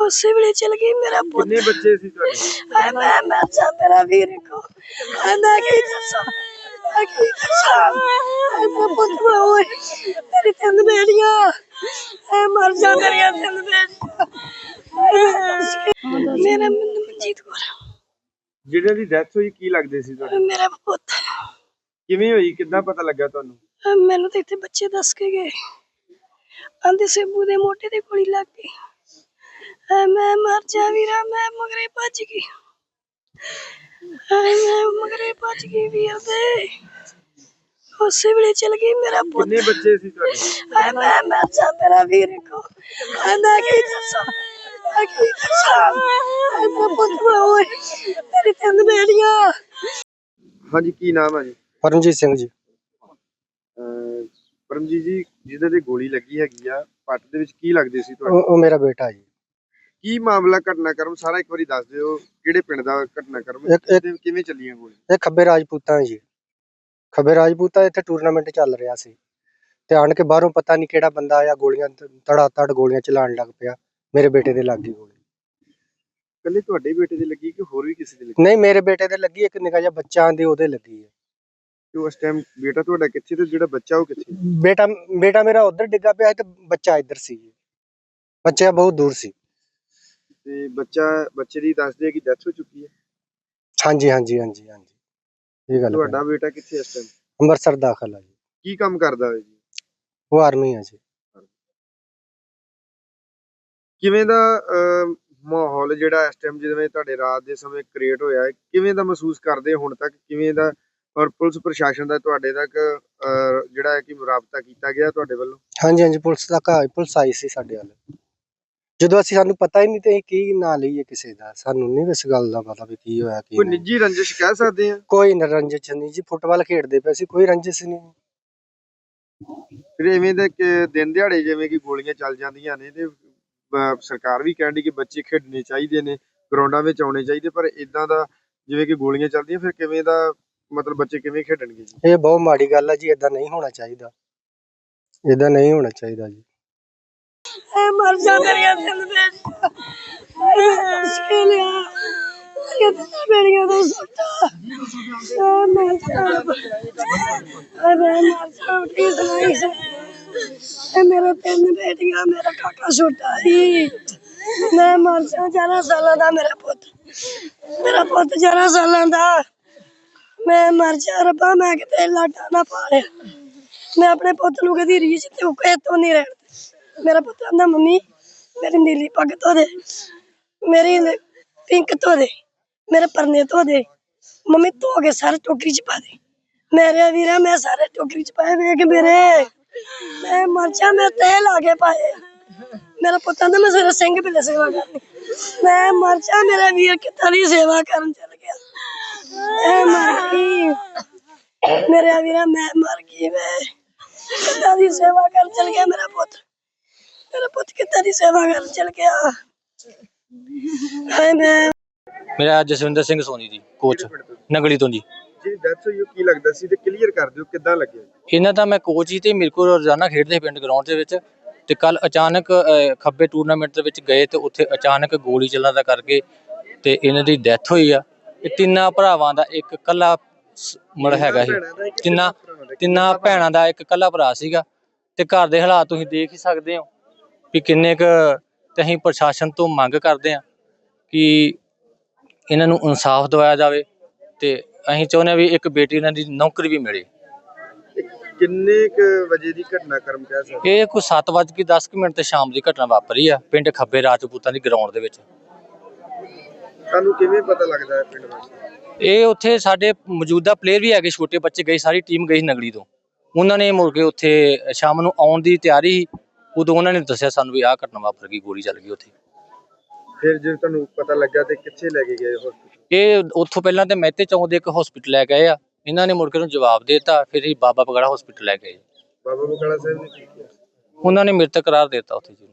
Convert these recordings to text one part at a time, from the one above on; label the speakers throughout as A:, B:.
A: ਉਸੇ ਵੇਲੇ ਚਲ ਗਈ ਮੇਰਾ ਪੁੱਤ।
B: ਕਿੰਨੇ ਬੱਚੇ ਸੀ ਤੁਹਾਡੇ?
A: ਹਾਏ ਮੈਂ ਜਾ ਮੇਰਾ ਵੀਰ ਕੋ ਹਾਏ ਮੈਂ ਕੀ ਦੱਸਾਂ ਹਾਏ ਮੇਰਾ ਪੁੱਤ ਓਏ ਤੇਰੀ ਤਿੰਨ ਬੇੜੀਆਂ ਹਾਏ ਮਰ ਜਾ ਮੇਰੀਆਂ ਤਿੰਨ ਬੇੜੀਆਂ। ਮੇਰਾ ਮਨਜੀਤ ਕੌਰ
B: ਜਿਹੜੇ ਦੀ ਡੈਥ ਹੋਈ ਕੀ ਲੱਗਦੇ ਸੀ ਤੁਹਾਡੇ?
A: ਮੇਰਾ ਪੁੱਤ।
B: ਕਿਵੇਂ ਹੋਈ, ਕਿੱਦਾਂ ਪਤਾ ਲੱਗਾ ਤੁਹਾਨੂੰ?
A: ਮੈਨੂੰ ਤਾਂ ਇੱਥੇ ਬੱਚੇ ਦੱਸ ਕੇ ਗਏ, ਆਂਦੇ ਸੇਬੂ ਦੇ ਮੋਢੇ ਤੇ ਗੋਲੀ ਲੱਗ ਗਈ। ਮੈਂ ਮਰ ਜਾ ਵੀਰਾ, ਮੈਂ ਮਗਰੇ ਭੱਜ ਗਈ। ਮੈਂ ਮਗਰੇ ਭੱਜ ਗਈ ਵੀਰ ਦੇ, ਉਸੇ ਵੇਲੇ ਚਲ ਗਈ ਮੇਰਾ ਪੁੱਤ।
B: ਕਿੰਨੇ ਬੱਚੇ ਸੀ ਤੁਹਾਡੇ?
A: ਮੈਂ ਜਾ ਮੇਰਾ ਵੀਰ ਕੋ ਮੈਂ ਕੀ ਦੱਸਾਂ ਮੇਰਾ ਪੁੱਤ ਓਏ ਤੇਰੀ ਤਿੰਨ ਬੇੜੀਆਂ।
B: ਹਾਂਜੀ, ਕੀ ਨਾਮ ਹੈ ਜੀ?
C: ਪਰਮਜੀਤ ਸਿੰਘ ਜੀ।
B: ਪਰਮਜੀਤ ਜੀ, ਜਿਹਦੇ ਤੇ ਗੋਲੀ ਲੱਗੀ ਹੈਗੀ ਆ ਪੱਟ ਦੇ ਵਿੱਚ, ਕੀ ਲੱਗਦੇ ਸੀ ਤੁਹਾਡੇ?
C: ਉਹ ਮੇਰਾ ਬੇਟਾ ਜੀ।
B: ਕੀ ਮਾਮਲਾ, ਘਟਨਾਕ੍ਰਮ ਸਾਰਾ ਇੱਕ ਵਾਰੀ ਦੱਸ ਦਿਓ। ਕਿਹੜੇ ਪਿੰਡ ਦਾ ਘਟਨਾਕ੍ਰਮ, ਕਿਵੇਂ ਚੱਲੀਆਂ ਗੋਲੀਆਂ?
C: ਇਹ ਖੱਬੇ ਰਾਜਪੂਤਾਂ ਜੀ। ਖੱਬੇ ਰਾਜਪੂਤਾਂ ਇੱਥੇ ਟੂਰਨਾਮੈਂਟ ਚੱਲ ਰਿਹਾ ਸੀ ਤੇ ਆਣ ਕੇ ਬਾਹਰੋਂ ਪਤਾ ਨਹੀਂ ਕਿਹੜਾ ਬੰਦਾ ਆਇਆ, ਗੋਲੀਆਂ ਧੜਾ ਧੜ ਗੋਲੀਆਂ ਚਲਾਉਣ ਲੱਗ ਪਿਆ। ਮੇਰੇ ਬੇਟੇ ਦੇ ਲੱਗ ਗਈ ਗੋਲੀ।
B: ਕੱਲੇ ਤੁਹਾਡੇ ਬੇਟੇ ਦੇ ਲੱਗੀ ਕਿ ਹੋਰ ਵੀ ਕਿਸੇ ਦੇ ਲੱਗੀ?
C: ਨਹੀਂ, ਮੇਰੇ ਬੇਟੇ ਦੇ ਲੱਗੀ, ਇੱਕ ਨਿੱਕਾ ਜਿਹਾ ਬੱਚਾ ਆਂਦੇ ਉਹਦੇ ਲੱਗੀ ਹੈ।
B: ਤੇ ਉਸ ਟਾਈਮ ਬੇਟਾ ਤੁਹਾਡਾ ਕਿੱਥੇ ਤੇ ਜਿਹੜਾ ਬੱਚਾ ਉਹ ਕਿੱਥੇ?
C: ਬੇਟਾ ਮੇਰਾ ਉਧਰ ਡਿੱਗਾ ਪਿਆ ਤੇ ਬੱਚਾ ਇੱਧਰ ਸੀ। ਬੱਚਾ ਬਹੁਤ ਦੂਰ ਸੀ।
B: ਤੇ ਬੱਚੇ ਦੀ ਦੱਸਦੇ ਕਿ ਡੈਥ ਹੋ ਚੁੱਕੀ ਹੈ?
C: ਹਾਂਜੀ ਹਾਂਜੀ ਹਾਂਜੀ ਹਾਂਜੀ, ਇਹ ਗੱਲ।
B: ਤੁਹਾਡਾ ਬੇਟਾ ਕਿੱਥੇ ਇਸ ਟਾਈਮ?
C: ਅੰਮ੍ਰਿਤਸਰ ਦਾਖਲ ਹੈ ਜੀ।
B: ਕੀ ਕੰਮ ਕਰਦਾ ਹੈ ਜੀ?
C: ਉਹ ਆਰਮੀ ਹੈ ਜੀ।
B: ਕਿਵੇਂ ਦਾ ਮਾਹੌਲ ਜਿਹੜਾ ਇਸ ਟਾਈਮ ਜਿਵੇਂ ਤੁਹਾਡੇ ਰਾਤ ਦੇ ਸਮੇਂ ਕ੍ਰੀਏਟ ਹੋਇਆ ਹੈ, ਕਿਵੇਂ ਦਾ ਮਹਿਸੂਸ ਕਰਦੇ ਹੁਣ ਤੱਕ? ਕਿਵੇਂ ਦਾ, ਔਰ ਪੁਲਿਸ ਪ੍ਰਸ਼ਾਸਨ ਦਾ ਤੁਹਾਡੇ ਤੱਕ ਜਿਹੜਾ ਹੈ ਕਿ ਰਾਬਤਾ ਕੀਤਾ ਗਿਆ ਤੁਹਾਡੇ ਵੱਲੋਂ?
C: ਹਾਂਜੀ ਹਾਂਜੀ, ਪੁਲਿਸ ਆਈ ਸੀ ਸਾਡੇ ਵੱਲ। ਜਦੋਂ ਸਾਨੂੰ ਪਤਾ ਹੀ ਨਹੀਂ ਤੇ ਕੀ ਨਾਂ ਲਈਏ ਕਿਸੇ ਦਾ, ਸਾਨੂੰ ਨਹੀਂ ਇਸ ਗੱਲ ਦਾ ਪਤਾ ਵੀ ਕੀ ਹੋਇਆ ਕੀ
B: ਕੋਈ
C: ਨਹੀਂ।
B: ਨਿੱਜੀ ਰੰਜਿਸ਼ ਕਹਿ ਸਕਦੇ ਆ?
C: ਕੋਈ ਰੰਜਿਸ਼ ਨਹੀਂ ਜੀ, ਫੁੱਟਬਾਲ ਖੇਡਦੇ ਪਏ ਸੀ, ਕੋਈ ਰੰਜਿਸ਼ ਨਹੀਂ।
B: ਫਿਰ ਐਵੇਂ ਦੇ ਦਿਨ ਦਿਹਾੜੇ ਜਿਵੇਂ ਕਿ ਗੋਲੀਆਂ ਚੱਲ ਜਾਂਦੀਆਂ ਨੇ ਤੇ ਸਰਕਾਰ ਵੀ ਕਹਿੰਦੀ ਕਿ ਬੱਚੇ ਖੇਡਣੇ ਚਾਹੀਦੇ ਨੇ, ਗਰਾਊਂਡਾਂ ਵਿੱਚ ਆਉਣੇ ਚਾਹੀਦੇ, ਪਰ ਇਦਾਂ ਦਾ ਜਿਵੇਂ ਕਿ ਗੋਲੀਆਂ ਚੱਲਦੀਆਂ, ਫਿਰ ਕਿਵੇਂ ਦਾ ਮਤਲਬ ਬੱਚੇ ਕਿਵੇਂ ਖੇਡਣਗੇ ਜੀ?
C: ਇਹ ਬਹੁਤ ਮਾੜੀ ਗੱਲ ਹੈ ਜੀ, ਏਦਾਂ ਨਹੀਂ ਹੋਣਾ ਚਾਹੀਦਾ, ਏਦਾਂ ਨਹੀਂ ਹੋਣਾ ਚਾਹੀਦਾ ਜੀ।
A: ਮਰ ਜਾ ਮੇਰੀਆਂ ਤਿੰਨ ਬੇੜੀਆਂ ਮੇਰੀਆਂ ਦੋ ਸੁੱਟਾ ਮੈਂ ਮੇਰਾ ਤਿੰਨ ਬੇਟੀਆਂ, ਮੇਰਾ ਕਾਕਾ ਛੋਟਾ ਸੀ। ਮੈਂ ਮਰ ਜਾ, 11 ਸਾਲਾਂ ਦਾ ਮੇਰਾ ਪੁੱਤ 11 ਸਾਲਾਂ ਦਾ। ਮੈਂ ਮਰ ਜਾ ਰੱਬਾ, ਮੈਂ ਕਿਤੇ ਲਾਟਾ ਨਾ ਪਾ ਲਿਆ। ਮੈਂ ਆਪਣੇ ਪੁੱਤ ਨੂੰ ਕਦੀ ਰੀਝ ਤੇ ਤੋਂ ਨਹੀਂ ਰਹਿਣ। ਮੇਰਾ ਪੁੱਤ ਆਂਦਾ ਮੰਮੀ ਮੇਰੀ ਨੀਲੀ ਪੱਗ ਧੋ ਦੇ, ਮੇਰੀ ਪਿੰਕ ਧੋ ਦੇ, ਮੇਰੇ ਪਰਨੇ ਧੋ ਦੇ, ਮੰਮੀ ਧੋ ਕੇ ਸਾਰੇ ਟੋਕਰੀ ਚ ਪਾ ਦੇ। ਮੇਰੇ ਵੀਰਾ ਮੈਂ ਸਾਰੇ ਟੋਕਰੀ ਚ ਪਾਏ ਵੇਖ ਮੇਰੇ, ਮੈਂ ਮਰ ਜਾ, ਮੈਂ ਤੇਲ ਆ ਕੇ ਪਾਏ। ਮੇਰਾ ਪੁੱਤ ਆਂਦਾ ਮੈਂ ਸਵੇਰੇ ਸਿੰਘ ਪਿੱਲੇ ਸੇਵਾ ਕਰਨੀ। ਮੈਂ ਮਰ ਜਾ, ਮੇਰਾ ਵੀਰ ਕਿੱਦਾਂ ਦੀ ਸੇਵਾ ਕਰਨ ਚੱਲ ਗਿਆ। ਮੈਂ ਮਰ ਗਈ ਮੇਰੇ ਵੀਰਾ, ਮੈਂ ਮਰ ਗਈ। ਮੈਂ ਕਿੱਦਾਂ ਦੀ ਸੇਵਾ ਕਰਨ ਚੱਲ ਗਿਆ ਮੇਰਾ ਪੁੱਤ ਕਿੱਦਾਂ ਦੀ ਸੇਵਾ ਕਰਨ ਚੱਲ ਗਿਆ।
D: ਮੇਰਾ ਜਸਵਿੰਦਰ ਸਿੰਘ ਸੋਨੀ ਜੀ, ਕੋਚ ਨਗਲੀ ਤੋਂ ਜੀ।
B: ਜੀ ਡੈਥ ਹੋਈ ਕੀ ਲੱਗਦਾ ਸੀ ਤੇ ਕਲੀਅਰ ਕਰ ਦਿਓ ਕਿੱਦਾਂ ਲੱਗਿਆ?
D: ਇਹਨਾਂ ਦਾ ਮੈਂ ਕੋਚ ਹੀ ਤੇ ਮੇਰੇ ਕੋਲ ਰੋਜ਼ਾਨਾ ਖੇਡਦੇ ਪਿੰਡ ਗਰਾਊਂਡ ਦੇ ਵਿੱਚ, ਤੇ ਕੱਲ ਅਚਾਨਕ ਖੱਬੇ ਟੂਰਨਾਮੈਂਟ ਦੇ ਵਿੱਚ ਗਏ ਤੇ ਉੱਥੇ ਅਚਾਨਕ ਗੋਲੀ ਚੱਲਣ ਦਾ ਕਰਕੇ ਤੇ ਇਹਨਾਂ ਦੀ ਡੈਥ ਹੋਈ ਆ। ਇਹ ਤਿੰਨਾਂ ਭਰਾਵਾਂ ਦਾ ਇੱਕ ਕੱਲਾ ਮਤਲਬ ਹੈਗਾ ਸੀ, ਤਿੰਨਾਂ ਭੈਣਾਂ ਦਾ ਇੱਕ ਕੱਲਾ ਭਰਾ ਸੀਗਾ। ਤੇ ਘਰ ਦੇ ਹਾਲਾਤ ਤੁਸੀਂ ਦੇਖ ਹੀ ਸਕਦੇ ਹੋ ਵੀ ਕਿੰਨੇ ਕੁ, ਤੇ ਅਸੀਂ ਪ੍ਰਸ਼ਾਸਨ ਤੋਂ ਮੰਗ ਕਰਦੇ ਹਾਂ ਕਿ ਇਹਨਾਂ ਨੂੰ ਇਨਸਾਫ ਦਿਵਾਇਆ ਜਾਵੇ ਤੇ ਅਸੀਂ ਚਾਹੁੰਦੇ ਹਾਂ ਵੀ ਇੱਕ ਬੇਟੀ ਇਹਨਾਂ ਦੀ ਨੌਕਰੀ ਵੀ ਮਿਲੇ।
B: ਕਿੰਨੇ ਕੁ ਵਜੇ ਦੀ ਘਟਨਾਕ੍ਰਮ ਕਹਿ ਸਕਦੇ?
D: ਇਹ ਕੋਈ 7:10 ਤੇ ਸ਼ਾਮ ਦੀ ਘਟਨਾ ਵਾਪਰੀ ਆ ਪਿੰਡ ਖੱਬੇ ਰਾਜਪੂਤਾਂ ਦੀ ਗਰਾਊਂਡ ਦੇ ਵਿੱਚ।
B: ਤੁਹਾਨੂੰ ਕਿਵੇਂ ਪਤਾ ਲੱਗਦਾ ਹੈ ਪਿੰਡ ਵਾਸਤੇ?
D: ਇਹ ਉੱਥੇ ਸਾਡੇ ਮੌਜੂਦਾ ਪਲੇਅਰ ਵੀ ਹੈਗੇ, ਛੋਟੇ ਬੱਚੇ ਗਏ, ਸਾਰੀ ਟੀਮ ਗਈ ਨਗਲੀ ਤੋਂ। ਉਹਨਾਂ ਨੇ ਮੁੜ ਕੇ ਉੱਥੇ ਸ਼ਾਮ ਨੂੰ ਆਉਣ ਦੀ ਤਿਆਰੀ ਸੀ, ਉਦੋਂ ਉਹਨਾਂ ਨੇ ਦੱਸਿਆ ਸਾਨੂੰ ਵੀ ਆਹ ਘਟਨਾ ਵਾਪਰ ਗਈ, ਗੋਲੀ ਚੱਲ ਗਈ ਉੱਥੇ।
B: ਫਿਰ ਜੇ ਤੁਹਾਨੂੰ ਪਤਾ ਲੱਗਾ ਤੇ ਕਿੱਥੇ ਲੈ ਕੇ ਗਏ ਹਸਪੀਟਲ?
D: ਇਹ ਉੱਥੋਂ ਪਹਿਲਾਂ ਤੇ ਮਹਿਤੇ ਚੌਂਕ ਦੇ ਇੱਕ ਹਸਪੀਟਲ ਲੈ ਗਏ ਆ, ਇਹਨਾਂ ਨੇ ਮੁੜ ਕੇ ਨੂੰ ਜਵਾਬ ਦੇ ਦਿੱਤਾ। ਫਿਰ ਇਹ ਬਾਬਾ ਬਗੜਾ ਹਸਪੀਟਲ ਲੈ ਗਏ।
B: ਬਾਬਾ ਬਕਾਲਾ ਸਾਹਿਬ ਨੇ ਕੀ ਕੀਤਾ?
D: ਉਹਨਾਂ ਨੇ ਮ੍ਰਿਤਕ ਕਰਾਰ ਦੇ ਦਿੱਤਾ ਉੱਥੇ ਜੀ।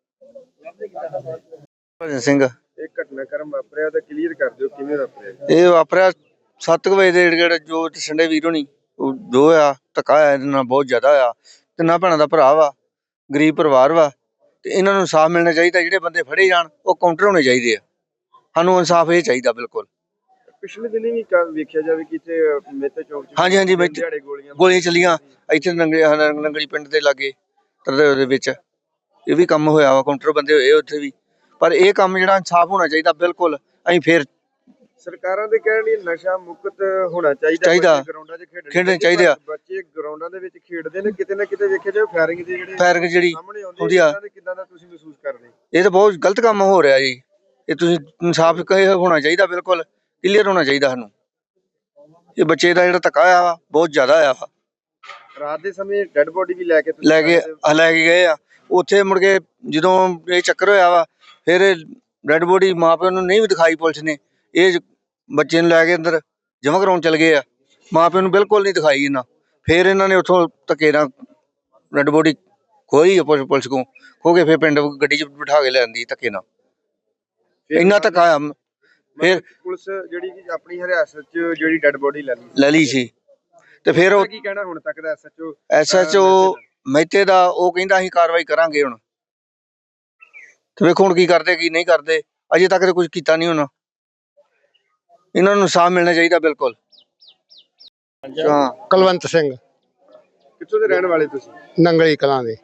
E: ਭਜਨ ਸਿੰਘ।
B: ਇਹ ਘਟਨਾਕ੍ਰਮ ਵਾਪਰਿਆ ਤਾਂ ਕਲੀਅਰ ਕਰ ਦਿਓ ਕਿਵੇਂ ਵਾਪਰਿਆ?
E: ਇਹ ਵਾਪਰਿਆ 7 ਵਜੇ ਦੇ ਏੜ ਜੋ ਸੰਡੇ ਵੀਰ ਹੋਣੀ ਜੋ ਆ ਧੱਕਾ ਹੋਇਆ ਇਹਦੇ ਨਾਲ ਬਹੁਤ ਜ਼ਿਆਦਾ ਹੋਇਆ। ਤਿੰਨਾਂ ਭੈਣਾਂ ਦਾ ਭਰਾ ਵਾ, ਗਰੀਬ ਪਰਿਵਾਰ ਵਾ, ਤੇ ਇਹਨਾਂ ਨੂੰ ਇਨਸਾਫ ਮਿਲਣਾ ਚਾਹੀਦਾ। ਜਿਹੜੇ ਬੰਦੇ ਫੜੇ ਜਾਣ ਉਹ ਕਾਊਂਟਰ ਹੋਣੇ ਚਾਹੀਦੇ ਆ। ਸਾਨੂੰ ਇਨਸਾਫ ਇਹ ਚਾਹੀਦਾ ਬਿਲਕੁਲ।
B: ਪਿਛਲੇ ਦਿਨੀ ਵੀ ਵੇਖਿਆ ਜਾਵੇ ਕਿ ਇੱਥੇ ਮੇਤੇ ਚੌਕ 'ਚ
E: ਹਾਂਜੀ ਹਾਂਜੀ
B: ਦਿਨ ਦਿਹਾੜੇ
E: ਗੋਲੀਆਂ ਚੱਲੀਆਂ ਇੱਥੇ ਨੰਗਲੀ ਪਿੰਡ ਦੇ ਲਾਗੇ ਤਰਦੇ ਦੇ ਵਿੱਚ। ਇਹ ਵੀ ਕੰਮ ਹੋਇਆ ਵਾ, ਕਾਊਂਟਰ ਬੰਦੇ ਹੋਏ ਉੱਥੇ ਵੀ। ਪਰ ਇਹ ਕੰਮ ਜਿਹੜਾ ਇਨਸਾਫ ਹੋਣਾ ਚਾਹੀਦਾ ਬਿਲਕੁਲ। ਅਸੀਂ ਫਿਰ
B: ਸਰਕਾਰਾਂ ਦੇ ਕਹਿਣ ਲਈ ਨਸ਼ਾ ਮੁਕਤ ਹੋਣਾ ਚਾਹੀਦਾ। ਗਰਾਊਂਡਾਂ 'ਚ
E: ਖੇਡਣੇ ਚਾਹੀਦੇ ਆ।
B: ਬੱਚੇ ਗਰਾਊਂਡਾਂ ਦੇ ਵਿੱਚ ਖੇਡਦੇ ਨੇ, ਕਿਤੇ ਨਾ ਕਿਤੇ ਵੇਖਿਆ ਜਾਵੇ ਫਾਇਰਿੰਗ ਦੇ ਜਿਹੜੇ
E: ਜਿਹੜੀ
B: ਸਾਹਮਣੇ
E: ਹੁੰਦੀ ਆ,
B: ਕਿੱਦਾਂ ਦਾ ਤੁਸੀਂ ਮਹਿਸੂਸ ਕਰਦੇ?
E: ਇਹ ਤਾਂ ਬਹੁਤ ਗਲਤ ਕੰਮ ਹੋ ਰਿਹਾ ਜੀ। ਇਹ ਤੁਸੀਂ ਇਨਸਾਫ ਹੋਣਾ ਚਾਹੀਦਾ, ਬਿਲਕੁਲ ਕਲੀਅਰ ਹੋਣਾ ਚਾਹੀਦਾ ਸਾਨੂੰ। ਇਹ ਬੱਚੇ ਦਾ ਜਿਹੜਾ ਧੱਕਾ ਹੋਇਆ ਵਾ ਬਹੁਤ ਜ਼ਿਆਦਾ ਹੋਇਆ ਵਾ।
B: ਰਾਤ ਦੇ ਸਮੇਂ ਡੈੱਡ ਬੋਡੀ ਵੀ ਲੈ ਕੇ
E: ਗਏ ਆ ਉੱਥੇ। ਮੁੜ ਕੇ ਜਦੋਂ ਇਹ ਚੱਕਰ ਹੋਇਆ ਵਾ, ਫਿਰ ਡੈੱਡ ਬੋਡੀ ਮਾਂ ਪਿਓ ਨੂੰ ਨਹੀਂ ਵੀ ਦਿਖਾਈ ਪੁਲਿਸ ਨੇ। ਇਹ ਬੱਚੇ ਨੂੰ ਲੈ ਕੇ ਅੰਦਰ ਜਮ੍ਹਾਂ ਕਰਾਉਣ ਚਲ ਗਏ ਆ, ਮਾਂ ਪਿਓ ਨੂੰ ਬਿਲਕੁਲ ਨਹੀਂ ਦਿਖਾਈ ਇਹਨਾਂ। ਫਿਰ ਇਹਨਾਂ ਨੇ ਉੱਥੋਂ ਧੱਕੇ ਨਾਲ ਡੈੱਡ ਬੋਡੀ ਖੋਈ ਪੁਲਿਸ ਕੋਲ, ਖੋ ਕੇ ਫਿਰ ਪਿੰਡ ਗੱਡੀ 'ਚ ਬਿਠਾ ਕੇ ਲੈ ਆਂਦੀ ਧੱਕੇ ਨਾਲ। ਇੰਨਾ ਧੱਕਾ ਆ। ਫਿਰ
B: ਪੁਲਿਸ ਜਿਹੜੀ ਕਿ ਆਪਣੀ ਹਰਿਆਸਤ 'ਚ ਜਿਹੜੀ ਡੈੱਡ ਬੋਡੀ
E: ਲੈ ਲਈ ਸੀ। ਤੇ ਫਿਰ ਉਹ
B: ਕੀ ਕਹਿਣਾ ਹੁਣ ਤੱਕ ਦਾ
E: SHO ਮਹਿਤੇ ਦਾ? ਉਹ ਕਹਿੰਦਾ ਅਸੀਂ ਕਾਰਵਾਈ ਕਰਾਂਗੇ ਹੁਣ। ਤੇ ਵੇਖੋ ਹੁਣ ਕੀ ਕਰਦੇ ਕੀ ਨਹੀਂ ਕਰਦੇ। ਅਜੇ ਤੱਕ ਤੇ ਕੁਝ ਕੀਤਾ ਨਹੀਂ ਉਹਨਾਂ। ਇਹਨਾਂ ਨੂੰ ਇਨਸਾਫ ਮਿਲਣਾ ਚਾਹੀਦਾ ਬਿਲਕੁਲ।
B: ਹਾਂ,
C: ਕੁਲਵੰਤ ਸਿੰਘ,
B: ਕਿੱਥੋਂ ਦੇ ਰਹਿਣ ਵਾਲੇ ਤੁਸੀਂ?
C: ਨੰਗਲੀ ਕਲਾਂ ਦੇ।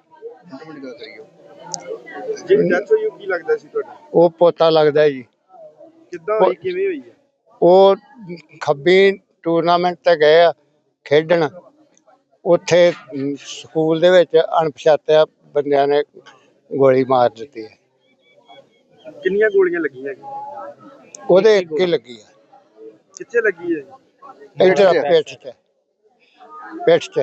B: ਜਿਹੜੀ ਡੈਥ ਹੋਈ ਉਹ ਕੀ ਲੱਗਦਾ ਸੀ ਤੁਹਾਡਾ?
C: ਉਹ ਪੋਤਾ ਲੱਗਦਾ ਜੀ।
B: ਕਿੱਦਾਂ ਹੋਈ, ਕਿਵੇਂ ਹੋਈ ਹੈ?
C: ਉਹ ਖੱਬੀ ਟੂਰਨਾਮੈਂਟ ਤੇ ਗਏ ਆ ਖੇਡਣ। ਉੱਥੇ ਸਕੂਲ ਦੇ ਵਿੱਚ ਅਣਪਛਾਤਿਆ ਬੰਦਿਆਂ ਨੇ ਗੋਲੀ ਮਾਰ ਦਿੱਤੀ ਹੈ।
B: ਕਿੰਨੀਆਂ ਗੋਲੀਆਂ ਲੱਗੀਆਂ?
C: ਉਹਦੇ ਇੱਕ ਹੀ ਲੱਗੀ ਆ।
B: ਕਿੱਥੇ ਲੱਗੀ ਹੈ?
C: ਇੱਧਰ ਪਿੱਠ 'ਚ।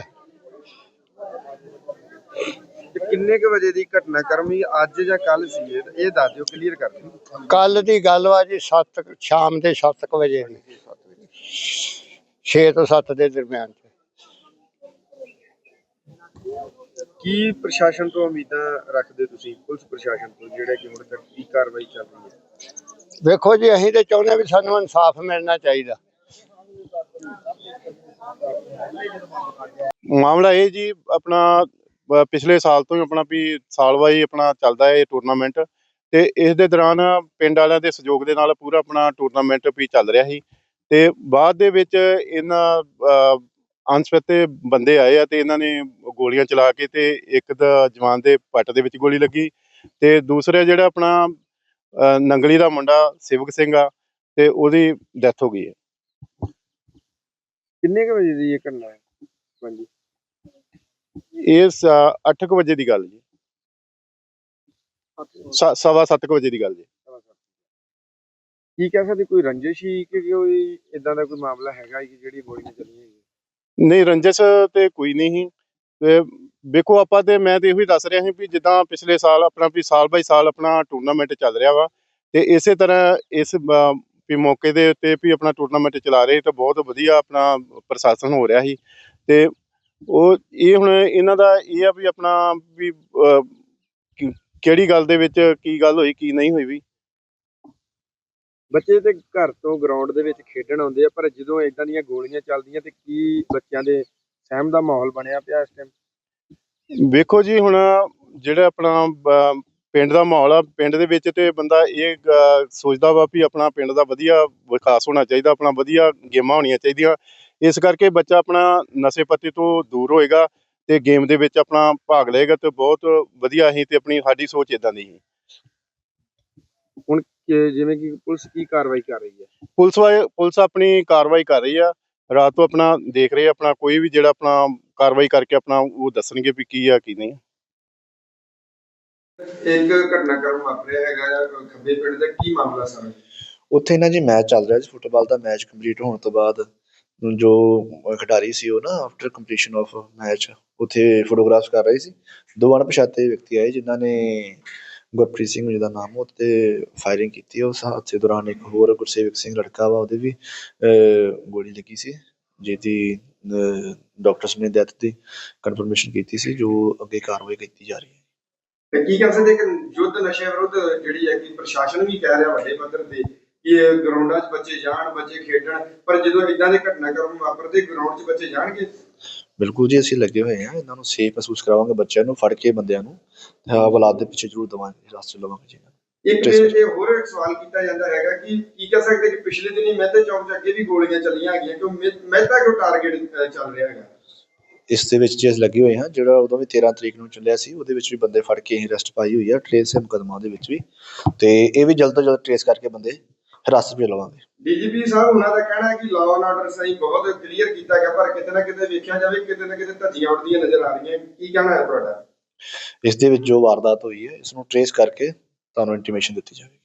B: ਕਿੰਨੇ ਕੁ ਵਜੇ ਦੀ ਘਟਨਾ ਕਰਮੀ ਅੱਜ ਜਾਂ ਕੱਲ ਸੀ? ਇਹ ਦੱਸ ਦਿਓ, ਕਲੀਅਰ ਕਰ ਦਿਓ।
C: ਕੱਲ ਦੀ ਗੱਲ ਵਾ ਜੀ, ਸ਼ਾਮ ਦੇ 7 ਵਜੇ ਦੀ, 6 ਤੋਂ 7 ਦੇ ਦਰਮਿਆਨ।
B: ਕੀ ਪ੍ਰਸ਼ਾਸਨ ਤੋਂ ਉਮੀਦਾਂ ਰੱਖਦੇ ਤੁਸੀਂ, ਪੁਲਿਸ ਪ੍ਰਸ਼ਾਸਨ ਤੋਂ, ਜਿਹੜਾ ਕਿ ਹੁਣ ਤੱਕ ਕੀ ਕਾਰਵਾਈ ਚੱਲ ਰਹੀ ਹੈ?
C: ਵੇਖੋ ਜੀ, ਅਸੀਂ ਤੇ ਚਾਹੁੰਦੇ ਵੀ ਸਾਨੂੰ ਇਨਸਾਫ ਮਿਲਣਾ ਚਾਹੀਦਾ।
F: ਮਾਮਲਾ ਇਹ ਜੀ ਆਪਣਾ ਪਿਛਲੇ ਸਾਲ ਤੋਂ ਹੀ ਆਪਣਾ ਵੀ ਸਾਲ ਵਾਈ ਆਪਣਾ ਚੱਲਦਾ ਹੈ ਇਹ ਟੂਰਨਾਮੈਂਟ। ਤੇ ਇਸ ਦੇ ਦੌਰਾਨ ਪਿੰਡ ਵਾਲਿਆਂ ਦੇ ਸਹਿਯੋਗ ਦੇ ਨਾਲ ਪੂਰਾ ਆਪਣਾ ਟੂਰਨਾਮੈਂਟ ਵੀ ਚੱਲ ਰਿਹਾ ਸੀ। ਤੇ ਬਾਅਦ ਦੇ ਵਿੱਚ ਇਹਨਾਂ ਅਣਪਛਾਤੇ ਬੰਦੇ ਆਏ ਆ ਤੇ ਇਹਨਾਂ ਨੇ ਗੋਲੀਆਂ ਚਲਾ ਕੇ, ਤੇ ਇੱਕ ਦਾ ਜਵਾਨ ਦੇ ਪੱਟ ਦੇ ਵਿੱਚ ਗੋਲੀ ਲੱਗੀ, ਤੇ ਦੂਸਰਾ ਜਿਹੜਾ ਆਪਣਾ ਨੰਗਲੀ ਦਾ ਮੁੰਡਾ ਸੇਵਕ ਸਿੰਘ ਆ, ਤੇ ਉਹਦੀ ਡੈਥ ਹੋ ਗਈ ਹੈ।
B: ਕਿੰਨੇ ਕੁ ਵਜੇ ਦੀ ਇਹ ਘਟਨਾ ਹੈ? ਹਾਂਜੀ,
F: ਇਹ 8 ਵਜੇ ਦੀ ਗੱਲ ਜੀ, 7:15 ਵਜੇ ਦੀ ਗੱਲ ਜੀ।
B: ਕੀ ਕਹਿ ਸਕਦੇ, ਕੋਈ ਰੰਜਿਸ਼ ਹੀ ਕਿ ਕੋਈ ਇਦਾਂ ਦਾ ਕੋਈ ਮਾਮਲਾ ਹੈਗਾ ਕਿ ਜਿਹੜੀ ਗੋਲੀਆਂ ਚੱਲੀਆਂ?
F: ਨਹੀਂ, ਰੰਜਿਸ਼ ਤੇ ਕੋਈ ਨਹੀਂ ਸੀ। ਤੇ ਵੇਖੋ ਆਪਾਂ ਤੇ ਮੈਂ ਤੇ ਇਹੋ ਹੀ ਦੱਸ ਰਿਹਾ ਸੀ ਵੀ ਜਿੱਦਾਂ ਪਿਛਲੇ ਸਾਲ ਆਪਣਾ ਵੀ ਸਾਲ ਬਾਈ ਸਾਲ ਆਪਣਾ ਟੂਰਨਾਮੈਂਟ ਚੱਲ ਰਿਹਾ ਵਾ, ਤੇ ਇਸੇ ਤਰ੍ਹਾਂ ਇਸ ਵੀ ਮੌਕੇ ਦੇ ਉੱਤੇ ਵੀ ਆਪਣਾ ਟੂਰਨਾਮੈਂਟ ਚਲਾ ਰਹੇ ਤਾਂ ਬਹੁਤ ਵਧੀਆ ਆਪਣਾ ਪ੍ਰਸ਼ਾਸਨ ਹੋ ਰਿਹਾ ਸੀ। ਤੇ ਉਹ ਇਹ ਹੁਣ ਇਹਨਾਂ ਦਾ ਇਹ ਆ ਵੀ ਆਪਣਾ ਵੀ ਕਿਹੜੀ ਗੱਲ ਦੇ ਵਿੱਚ ਕੀ ਗੱਲ ਹੋਈ ਕੀ ਨਹੀਂ ਹੋਈ। ਵੀ
B: ਬੱਚੇ ਤੇ ਘਰ ਤੋਂ ਗਰਾਊਂਡ ਦੇ ਵਿੱਚ ਖੇਡਣ ਆਉਂਦੇ ਆ, ਪਰ ਜਦੋਂ ਇਦਾਂ ਦੀਆਂ ਗੋਲੀਆਂ ਚੱਲਦੀਆਂ ਤੇ ਕੀ ਬੱਚਿਆਂ ਦੇ ਸਹਿਮ ਦਾ ਮਾਹੌਲ ਬਣਿਆ ਪਿਆ ਇਸ ਟਾਈਮ?
F: ਵੇਖੋ ਜੀ, ਹੁਣ ਜਿਹੜਾ ਆਪਣਾ ਪਿੰਡ ਦਾ ਮਾਹੌਲ ਆ, ਪਿੰਡ ਦੇ ਵਿੱਚ ਤੇ ਬੰਦਾ ਇਹ ਸੋਚਦਾ ਵਾ ਵੀ ਆਪਣਾ ਪਿੰਡ ਦਾ ਵਧੀਆ ਵਿਕਾਸ ਹੋਣਾ ਚਾਹੀਦਾ, ਆਪਣਾ ਵਧੀਆ ਗੇਮਾਂ ਹੋਣੀਆਂ ਚਾਹੀਦੀਆਂ। ਇਸ ਕਰਕੇ ਬੱਚਾ ਆਪਣਾ ਨਸ਼ੇ ਪੱਤੇ ਤੋਂ ਦੂਰ ਹੋਏਗਾ ਤੇ ਗੇਮ ਦੇ ਵਿੱਚ ਆਪਣਾ ਭਾਗ ਲਏਗਾ ਤੇ ਬਹੁਤ ਵਧੀਆ ਹੀ। ਤੇ ਆਪਣੀ ਸਾਡੀ ਸੋਚ ਇਦਾਂ ਦੀ ਸੀ।
B: ਹੁਣ ਜਿਵੇਂ ਕਿ ਪੁਲਿਸ ਕੀ ਕਾਰਵਾਈ ਕਰ ਰਹੀ ਹੈ?
F: ਪੁਲਿਸ ਆਪਣੀ ਕਾਰਵਾਈ ਕਰ ਰਹੀ ਆ। ਰਾਤ ਤੋਂ ਆਪਣਾ ਦੇਖ ਰਹੇ ਆਪਣਾ ਕੋਈ ਵੀ ਜਿਹੜਾ ਆਪਣਾ ਕਾਰਵਾਈ ਕਰਕੇ ਆਪਣਾ ਉਹ ਦੱਸਣਗੇ ਵੀ ਕੀ ਆ ਕੀ ਨਹੀਂ।
B: ਇੱਕ ਘਟਨਾਕ੍ਰਮ ਵਾਪਰਿਆ ਹੈਗਾ ਖੱਬੇ ਪਿੰਡ ਦਾ, ਕੀ ਮਾਮਲਾ ਸਰ?
G: ਉੱਥੇ ਨਾ ਜੀ ਮੈਚ ਚੱਲ ਰਿਹਾ ਸੀ, ਫੁੱਟਬਾਲ ਦਾ ਮੈਚ ਕੰਪਲੀਟ ਹੋਣ ਤੋਂ ਬਾਅਦ ਜੋ ਖਿਡਾਰੀ ਸੀ ਉਹ ਨਾ ਆਫਟਰ ਕੰਪਲੀਸ਼ਨ ਆਫ ਮੈਚ ਉੱਥੇ ਫੋਟੋਗ੍ਰਾਫਸ ਕਰ ਰਹੇ ਸੀ। 2 ਅਣਪਛਾਤੇ ਵਿਅਕਤੀ ਆਏ ਜਿਨ੍ਹਾਂ ਨੇ ਗੁਰਪ੍ਰੀਤ ਸਿੰਘ ਜਿਹਦਾ ਨਾਮ, ਉਹ 'ਤੇ ਫਾਇਰਿੰਗ ਕੀਤੀ। ਉਸ ਹਾਦਸੇ ਦੌਰਾਨ ਇੱਕ ਹੋਰ ਗੁਰਸੇਵਕ ਸਿੰਘ ਲੜਕਾ ਵਾ, ਉਹਦੇ ਵੀ ਗੋਲੀ ਲੱਗੀ ਸੀ, ਜਿਹਦੀ ਡਾਕਟਰਸ ਨੇ ਡੈਥ ਦੀ ਕਨਫਰਮੇਸ਼ਨ ਕੀਤੀ ਸੀ, ਜੋ ਅੱਗੇ ਕਾਰਵਾਈ ਕੀਤੀ ਜਾ ਰਹੀ ਹੈ।
B: ਤੇ ਕੀ ਕਰ ਸਕਦੇ ਕਿ ਯੁੱਧ ਨਸ਼ੇ ਵਿਰੁੱਧ ਜਿਹੜੀ ਹੈ ਕਿ ਪ੍ਰਸ਼ਾਸਨ ਵੀ ਕਹਿ ਰਿਹਾ ਵੱਡੇ ਪੱਧਰ ਤੇ ਕਿ ਗਰਾਊਂਡਾਂ 'ਚ ਬੱਚੇ ਜਾਣ, ਬੱਚੇ ਖੇਡਣ, ਪਰ ਜਦੋਂ ਇਦਾਂ ਦੇ ਘਟਨਾਕ੍ਰਮ ਵਾਪਰਦੇ ਗਰਾਊਂਡ 'ਚ ਬੱਚੇ ਜਾਣਗੇ?
G: ਬਿਲਕੁਲ ਜੀ, ਅਸੀਂ ਲੱਗੇ ਹੋਏ ਹਾਂ, ਇਹਨਾਂ ਨੂੰ ਸੇਫ ਮਹਿਸੂਸ ਕਰਾਵਾਂਗੇ, ਬੱਚਿਆਂ ਨੂੰ ਫੜ ਕੇ ਬੰਦਿਆਂ ਨੂੰ ਔਲਾਦ ਦੇ ਪਿੱਛੇ ਜ਼ਰੂਰ ਦੇਵਾਂਗੇ, ਰਾਸਤੇ ਲਵਾਂਗੇ ਜੀ ਇਹਨਾਂ ਨੂੰ।
B: ਇੱਕ
G: Trace
B: ਇਹ ਹੋਰ ਇੱਕ ਸਵਾਲ ਕੀਤਾ ਜਾਂਦਾ ਹੈਗਾ ਕਿ ਕੀ ਕਹਿ ਸਕਦੇ ਕਿ ਪਿਛਲੇ ਦਿਨੀ ਮਹਿਤੇ ਚੌਕ 'ਚ ਅੱਗੇ ਵੀ ਗੋਲੀਆਂ ਚੱਲੀਆਂ ਹੈਗੀਆਂ, ਕਿਉਂ ਮਹਿਤਾ ਕਿਉਂ ਟਾਰਗੇਟ ਚੱਲ ਰਿਹਾ ਹੈਗਾ?
G: ਇਸ ਦੇ ਵਿੱਚ ਜੇ ਅਸੀਂ ਲੱਗੇ ਹੋਏ ਹਾਂ, ਜਿਹੜਾ ਉਦੋਂ ਵੀ 13 ਤਰੀਕ ਨੂੰ ਚੱਲਿਆ ਸੀ, ਉਹਦੇ ਵਿੱਚ ਵੀ ਬੰਦੇ ਫੜ ਕੇ ਅਸੀਂ ਅਰੈਸਟ ਪਾਈ ਹੋਈ ਆ, ਟ੍ਰੇਸ ਹੈ ਮੁਕੱਦਮਾ ਦੇ ਵਿੱਚ ਵੀ, ਤੇ ਇਹ ਵੀ ਜਲਦ ਤੋਂ ਜਲਦ ਟ੍ਰੇਸ ਕਰਕੇ ਬੰਦੇ ਹਿਰਾਸਤ ਵਿੱਚ ਲਵਾਂਗੇ।
B: ਡੀਜੀਪੀ ਸਾਹਿਬ ਉਹਨਾਂ ਦਾ ਕਹਿਣਾ ਹੈ ਕਿ ਲਾਅ ਐਂਡ ਆਰਡਰ ਸਹੀ ਬਹੁਤ ਕਲੀਅਰ ਕੀਤਾ ਗਿਆ, ਪਰ ਕਿਤੇ ਨਾ ਕਿਤੇ ਵੇਖਿਆ ਜਾਵੇ ਕਿਤੇ ਨਾ ਕਿਤੇ ਧੱਜੀਆਂ ਉੱਡਦੀਆਂ ਨਜ਼ਰ ਆ ਰਹੀਆਂ, ਕੀ ਕਹਿਣਾ ਹੈ ਤੁਹਾਡਾ?
G: ਇਸ ਦੇ ਵਿੱਚ ਜੋ ਵਾਰਦਾਤ ਹੋਈ ਹੈ, ਇਸ ਨੂੰ ਟ੍ਰੇਸ ਕਰਕੇ ਤੁਹਾਨੂੰ ਇੰਟੀਮੇਸ਼ਨ ਦਿੱਤੀ ਜਾਵੇਗੀ।